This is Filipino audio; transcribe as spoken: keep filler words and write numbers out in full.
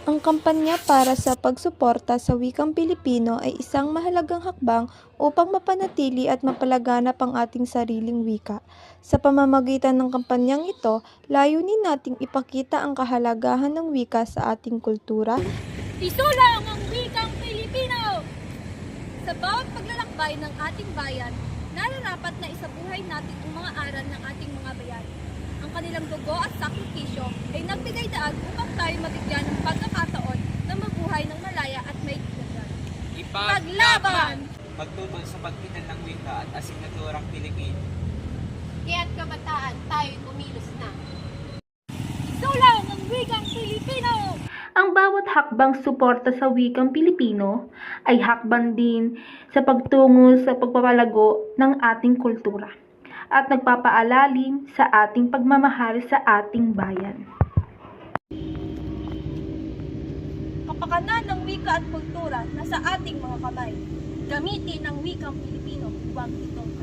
Ang kampanya para sa pagsuporta sa wikang Pilipino ay isang mahalagang hakbang upang mapanatili at mapalaganap ang ating sariling wika. Sa pamamagitan ng kampanyang ito, layunin nating ipakita ang kahalagahan ng wika sa ating kultura. Isulang ang wikang Pilipino! Sa bawat paglalakbay ng ating bayan, nararapat na isabuhay natin ang mga aral ng ating mga bayani. Ang kanilang dugo at sakripisyo ay nagbigay daag upang tayo mabigyan ng pagkakataon na mabuhay ng malaya at may dignidad. Paglaban! Pagtutol sa pagkitan ng wika at asignaturang Pilipino. Kaya't kabataan, tayo'y kumilos na. Isulang ang wikang Pilipino! Ang bawat hakbang suporta sa wikang Pilipino ay hakbang din sa pagtungo sa pagpapalago ng ating kultura at nagpapaalalim sa ating pagmamahal sa ating bayan. Kapakanan ng wika at kultura nasa ating mga kamay. Gamitin ang wikang Pilipino, huwag itong